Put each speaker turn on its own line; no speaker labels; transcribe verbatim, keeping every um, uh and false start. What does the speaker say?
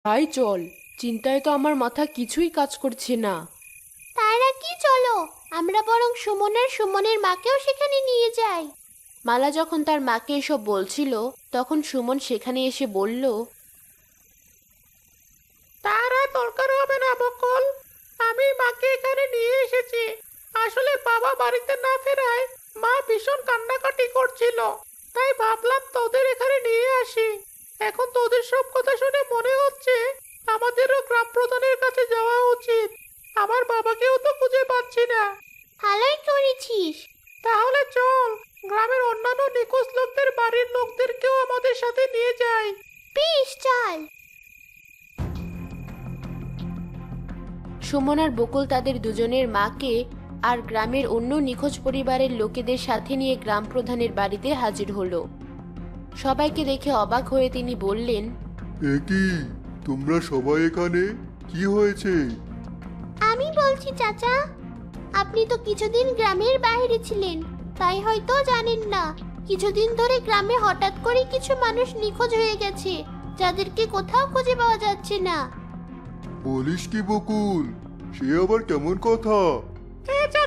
তাই চল, চিন্তায় তো আমার মাথা কিছুই কাজ করছে না।
তারা কি, চলো আমরা বরং সুমনের সুমনের মাকেও সেখানে নিয়ে যাই।
মালা যখন তার মাকে এসব বলছিল, তখন সুমন সেখানে এসে বলল,
তার আর দরকার হবে না বকুল, আমি মাকে এখানে নিয়ে এসেছি। আসলে বাবা বাড়িতে না ফেরায় মা ভীষণ কান্নাকাটি করছিল, তাই ভাবলাম তোদের এখানে নিয়ে আসি। এখন তোদের সব কথা শুনে মনে হচ্ছে আমাদেরও গ্রাম প্রধানের কাছে যাওয়া উচিত। আমার বাবাকেও তো খুঁজে পাচ্ছি না।
ভালোই করেছিস।
তাহলে চল, গ্রামের অন্যান্য নিখোঁজ লোকদের বাড়ির লোকদেরকেও আমাদের সাথে নিয়ে যাই।
বেশ, চল।
সুমন আর বকুল তাদের দুজনের মাকে আর গ্রামের অন্য নিখোঁজ পরিবারের লোকেদের সাথে নিয়ে গ্রাম প্রধানের বাড়িতে হাজির হলো। সবাইকে দেখে অবাক হয়ে তিনি বললেন,
এ কি, তোমরা সবাই এখানে? কি হয়েছে?
আমি বলছি চাচা, আপনি তো কিছুদিন গ্রামের বাইরে ছিলেন, তাই হয়তো জানেন না। কিছুদিন ধরে গ্রামে হঠাৎ করে কিছু মানুষ নিখোঁজ হয়ে গেছে, যাদেরকে কোথাও খুঁজে পাওয়া যাচ্ছে না।
বলিস কি বকুল, সে আবার কেমন কথা?
এ